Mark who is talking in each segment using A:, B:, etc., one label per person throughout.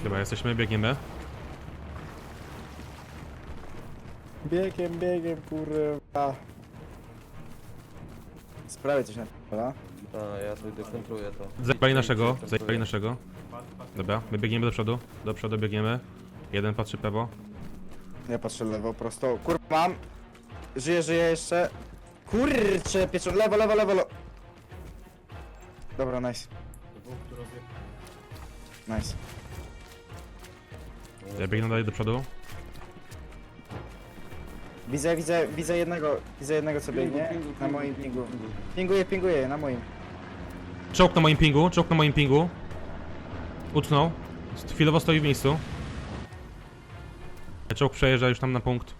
A: Chyba jesteśmy, biegniemy.
B: Biegiem, kurwa. Sprawię coś na p***a.
C: A, ja tu dekontruję to.
A: Zajebali naszego. Dobra, my biegniemy do przodu biegniemy. Jeden patrzy pewo.
B: Ja patrzę lewo, prosto. Kurwa, mam. Żyję jeszcze. Kurczę, pieczą. Lewo. Dobra, nice. Nice.
A: Ja biegnę dalej do przodu.
B: Widzę jednego co biegnie. Na moim pingu. Pinguję, na moim.
A: Czołg na moim pingu. Utknął. Chwilowo stoi w miejscu. Czołg przejeżdża już tam na punkt.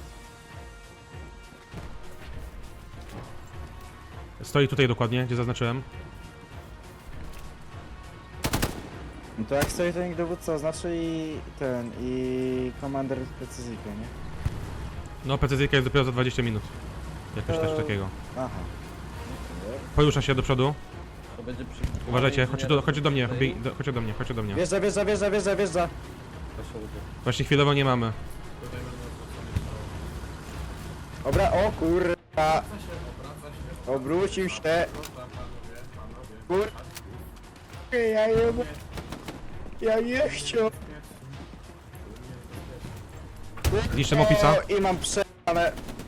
A: Stoi tutaj dokładnie, gdzie zaznaczyłem.
B: No to jak stoi to niech dowódca oznaczy i komander precyzyjkę, nie?
A: No, precyzyjka jest dopiero za 20 minut. Jakoś też takiego.
B: Aha.
A: Porusza się do przodu.
C: To będzie przy...
A: Uważajcie, chodźcie do mnie, chodźcie do mnie.
B: Wjeżdża.
C: Proszę ludzie.
A: Właśnie chwilowo nie mamy.
B: Dobra, o kurwa. Obrócił się. Kur... Ja nie chciał.
A: Zniszczę opisa.
B: I mam przejane.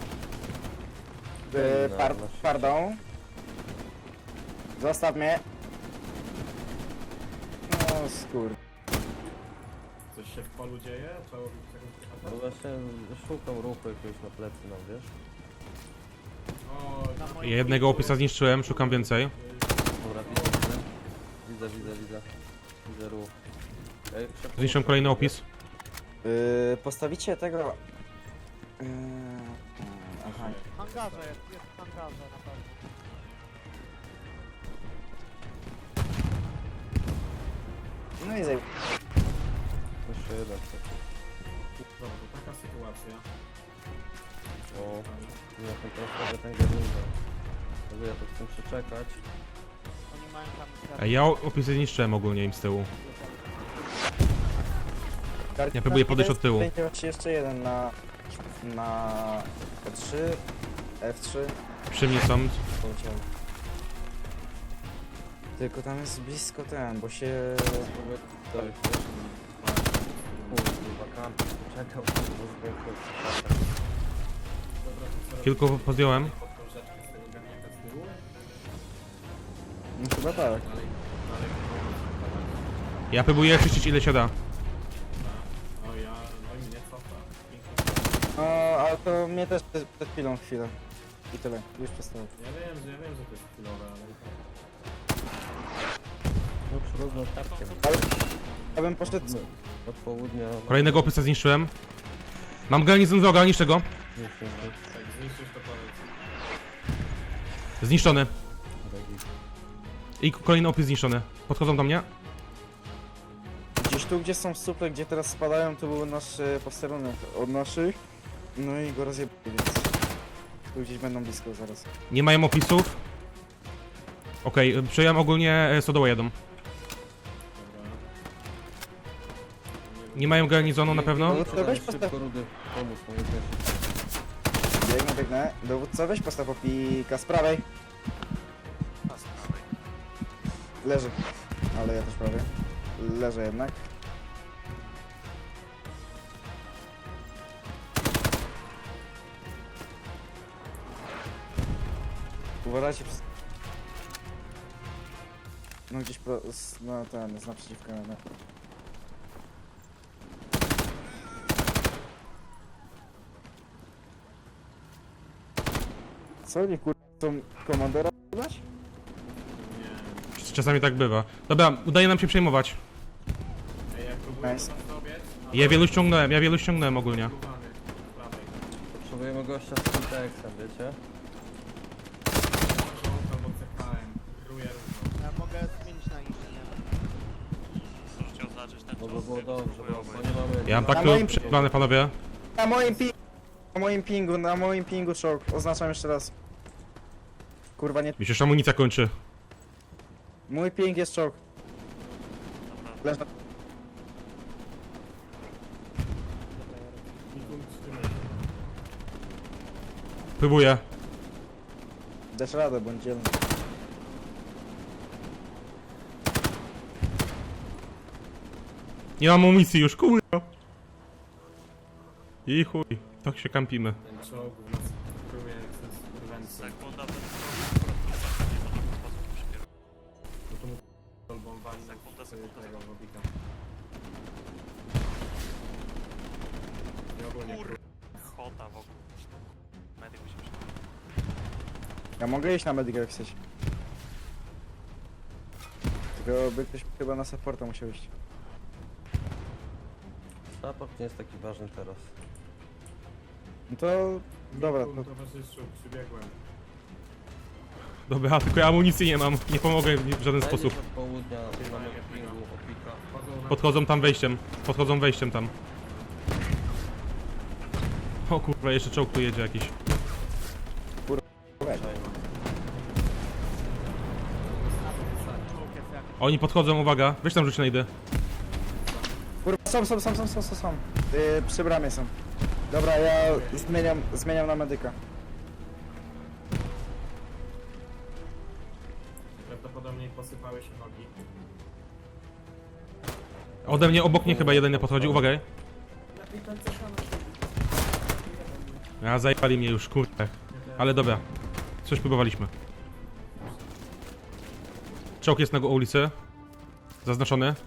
B: Pardon. Zostaw mnie. No skur...
D: Coś się w polu dzieje? Trzeba robić jakąś
C: No właśnie szukam ruchu jakiegoś na plecy, no wiesz?
D: O,
A: Ja jednego opisa zniszczyłem, szukam więcej.
C: Dobra, widzę ruch. Ej, szybko.
A: Zniszczyłem kolejny opis.
B: Postawicie tego... Aha.
E: W hangarze jest w hangarze na pewno.
B: No i zaj...
C: Jeszcze jeden taki.
D: kurwa, to taka sytuacja.
C: O, ja tam teraz robię ten garnizo. Także ja to chcę przeczekać.
E: Oni mają tam...
A: Ej, ja opisy zniszczyłem ogólnie im z tyłu. Ja próbuję podejść od tyłu.
B: Będzie właśnie jeszcze jeden na F3, F3.
A: Przy mnie są.
B: Poleciałem. Tylko tam jest blisko ten, bo się...
C: Spróbuję tutaj, wiesz? Kurwa, kamp. Czekał, bo zwykle.
A: Kilku podjąłem.
D: Pod książeczkę z tego garniaka z tyłu.
B: No chyba tak.
A: Ja próbuję czyścić ile się da.
D: O ja, no i mnie cofa. Pięknie.
B: No, ale to mnie też przed chwilę. I tyle, już przestało.
D: Ja wiem, że to jest chwilowe, ale...
C: No przyrówno tapkiem.
B: Ja bym poszedł...
C: Od południa.
A: Kolejnego opisa zniszczyłem. Mam garnizon wroga, niszczę go.
C: Już jest
D: Tak, zniszczysz to powiedz.
A: Zniszczony.
C: drogi.
A: I kolejny opis zniszczony. Podchodzą do mnie.
B: Gdzieś tu, gdzie są suple, gdzie teraz spadają, to był nasz posterunek od naszych. No i go rozjebali, więc... Tu gdzieś będą blisko zaraz.
A: Nie mają opisów. Okej, przejąłem ogólnie Sodoła jadą.
D: Dobra.
A: Nie mają garnizonu na pewno.
B: Dowódca, weź
C: Szybko
B: postaw...
C: rudy, pomóż mojej też.
B: Biegnę. Dowódca, weź postaw opika z prawej. Leży. Ale ja też prawie. Leżę jednak. Uważajcie przez... No gdzieś no ten, jest naprzeciwko. No. Co, nie chcą komandora dać?
A: Czasami tak bywa. Dobra, udaje nam się przejmować.
D: Ej, jak próbuję
B: Nice.
D: tam zrobić,
A: Ja wielu ściągnąłem ogólnie.
D: próbany z prawej.
C: Potrzebujemy gościa z Syntaxem, wiecie?
D: Czołg albo CKM. Kieruję równo.
E: Ja mogę zmienić na inżyniera.
C: No by było dobrze, bo nie mamy...
A: Ja mam tak
B: Na
A: tu
B: moim-
A: przejmowane, panowie.
B: Na moim pingu czołg. Oznaczam jeszcze raz. Kurwa nie...
A: Mi się już amunicja kończy.
B: Mój ping jest czołg. Leż na...
D: Mikum, trzymaj się.
A: Próbuję.
B: Dasz radę, bądź dzielny.
A: Nie mam amunicji już, kurwa. I chuj, tak się kampimy.
D: Ten czołg w nas próbuje jak z kurwency.
F: Sekunda,
D: No to mu kolbą wali
F: Sekunda,
D: z
F: sekunda.
D: tego wobika. I ogólnie
F: kur... Chota wokół. Medyk musi przyjść.
B: Ja mogę iść na medyka jak chcesz. Tylko by ktoś chyba na supporta musiał iść.
C: Support nie jest taki ważny teraz.
B: No to... Dobra,
D: Mikum,
B: to...
D: towarzyszu, przybiegłem.
A: Dobra, tylko ja amunicji nie mam, nie pomogę w żaden
C: Zajdziesz
A: sposób.
C: od południa, mamy pingu, opika.
D: Chodzą na...
A: Podchodzą tam wejściem, podchodzą wejściem tam. O kurwa, jeszcze czołg tu jedzie jakiś.
E: Czołg jest jak...
A: Oni podchodzą, uwaga, weź tam rzuć na idę.
B: Kurwa, są. Przy bramie są. Dobra, ja zmieniam na medyka.
D: Prawdopodobnie posypały się nogi.
A: Ode mnie, obok mnie chyba jeden nie podchodzi, uwaga. Ja zajebali mnie już, kurde. Ale dobra, coś próbowaliśmy. Czołg jest na ulicy. Zaznaczony.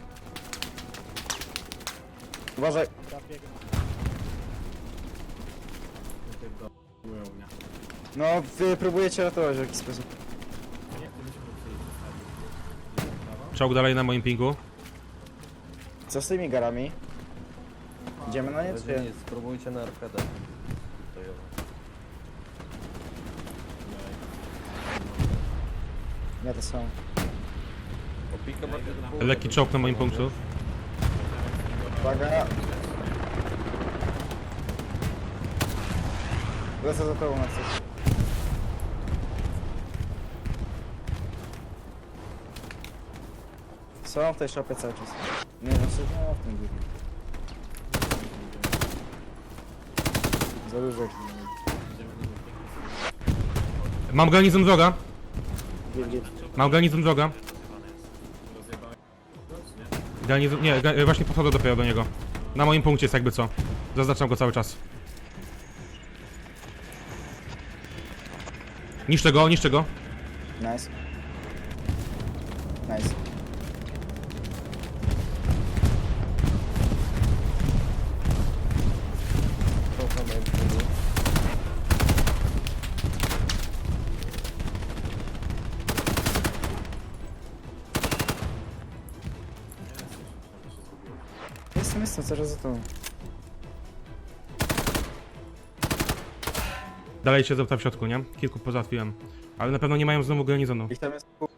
B: Uważaj.
E: Ja biegnę.
D: Pierdolą mnie.
B: No, wy próbujecie ratować w jakiś sposób.
D: Nie, to by się musieli zostawić. Brawo.
A: Czołg dalej na moim pingu.
B: Co z tymi garami? Idziemy na nie, czy
C: Jeżeli
B: nie?
C: nie, spróbujcie na arkadę. Stojowo.
B: Nie, to są.
C: Opika bardziej do południa.
A: Lekki czołg na moim punktu.
B: Uwaga. Lecę za tobą na coś. Są w tej szopie cały czas. Nie, znaczy, no w tym biegu. Za dużo ich.
A: Mam garnizon wroga.
B: Git.
A: Mam garnizon wroga.
D: Rozjebałem go, czy nie?
A: Garnizon, nie, właśnie podchodzę dopiero do niego. Na moim punkcie jest jakby co. Zaznaczam go cały czas. Niszczę go, niszczę go.
B: Nice. Nice.
C: Czołg na moim pingu.
B: Jestem, cały czas za tobą.
A: Dalej siedzą tam w środku, nie? Kilku pozałatwiłem. Ale na pewno nie mają znowu garnizonu.
B: Ich tam jest pół.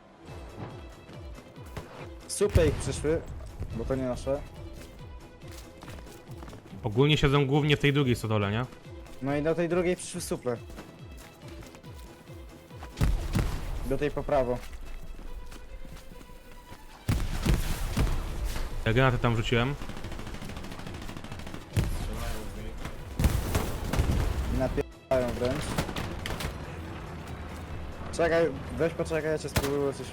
B: Supy ich przyszły, bo to nie nasze.
A: Ogólnie siedzą głównie w tej drugiej stodole, nie?
B: No i do tej drugiej przyszły suple. Do tej po prawo.
A: Ja granaty tam rzuciłem.
D: Strzelają w niej.
B: I napierają wręcz. Czekaj, weź poczekaj, ja cię spróbuję coś.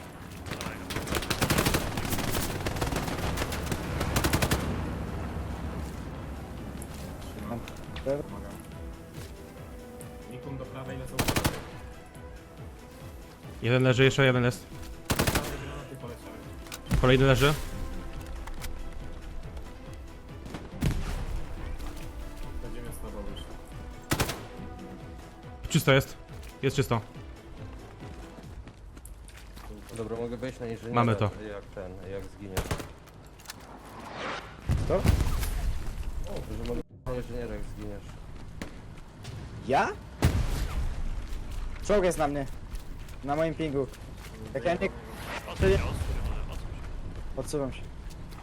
D: Trzymam.
B: Dobra.
D: Pomagam. Mikum do prawej lecą.
A: Jeden leży, jeszcze jeden jest.
D: Prawe granaty poleciały.
A: Kolejny leży.
D: Będziemy z tobą już.
A: Czysto jest. Jest czysto.
C: Dobra, mogę wejść na inżyniera.
A: Mamy to.
C: Jak zginiesz.
B: Co?
C: Że mogę na inżyniera jak zginiesz.
B: Ja? Czołg jest na mnie. Na moim pingu. Jak ja nie...
F: Odsuń się, odsuń się.
B: Odsuwam się.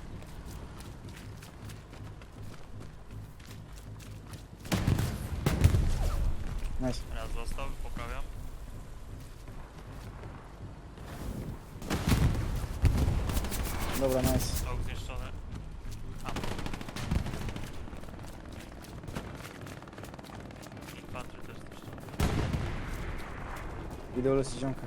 B: Nice.
F: Raz został, poprawiam.
B: Dobra, nice.
F: Czołg zniszczony.
B: Idę uleczyć ziomka.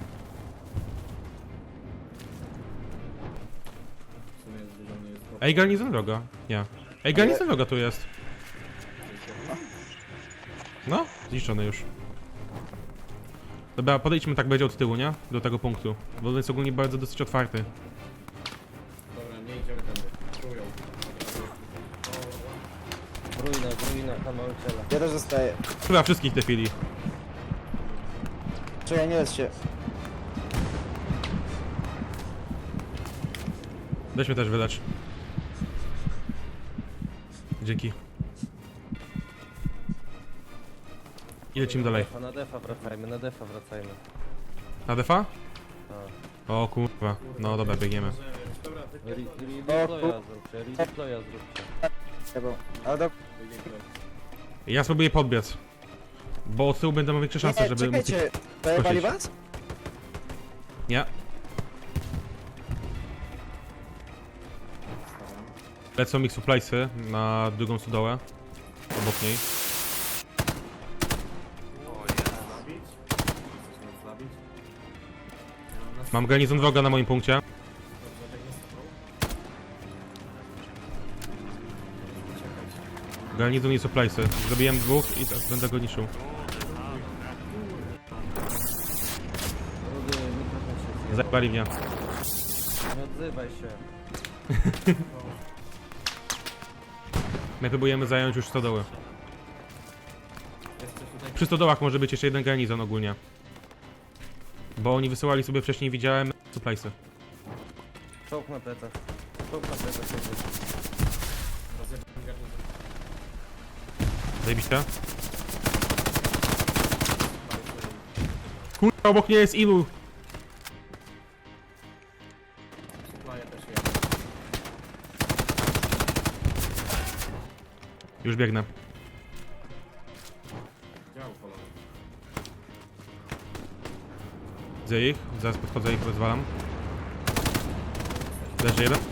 D: W sumie dużo mnie jest
A: Ej, garnizon wroga. Nie. Ej, garnizon wroga tu jest. No, zniszczony już. Dobra, podejdźmy tak będzie od tyłu, nie? Do tego punktu. Bo on jest ogólnie bardzo dosyć otwarty.
D: Dobra, nie idziemy tędy. Czują.
C: W ruinach na małym ciele.
B: Ja też zostaję.
A: Chyba wszystkich te chwili.
B: Czekaj, nie lecz się.
A: Weź mnie też wylecz. Dzięki. I lecimy dalej.
C: Na defa wracajmy, na defa wracajmy.
A: Na defa?
C: Tak.
A: O kurwa. No dobra, biegniemy.
D: Dobra, ty
C: Redeploya zróbcie, redeploya zróbcie.
B: Chyba. Ale do...
A: Ja spróbuję podbiec. Bo od tyłu będę miał większe szanse,
B: Nie,
A: żeby... móc ich-
B: czekajcie. Dajebali
A: skosić.
B: was?
A: Nie. Lecą mi suppliesy na drugą stodołę. Obok niej.
F: O jest.
D: zabić. Chcesz nas zabić? Ja mam nas
A: Mam garnizon wroga na moim punkcie.
D: dobrze, biegnie z tobą. Uciekać.
A: Garnizon i suppliesy. Zrobiłem dwóch i teraz będę go niszczył.
C: Rudy, mikrofon się zjebał.
A: Zajebali mnie.
C: Nie odzywaj się.
A: My próbujemy zająć już stodoły.
D: Jeszcze tutaj
A: Przy stodołach może być jeszcze jeden garnizon ogólnie. Bo oni wysyłali sobie wcześniej, widziałem, suppliesy.
C: Czołg na plecach. Czołg na plecach jedzie.
D: rozjebałem garnizon.
A: Zajebiście. Kurwa, obok mnie jest ilu?
D: Supply'a też jest.
A: Już biegnę.
D: Dział polony.
A: Widzę ich, zaraz podchodzę i ich rozwalam. Leży jeden.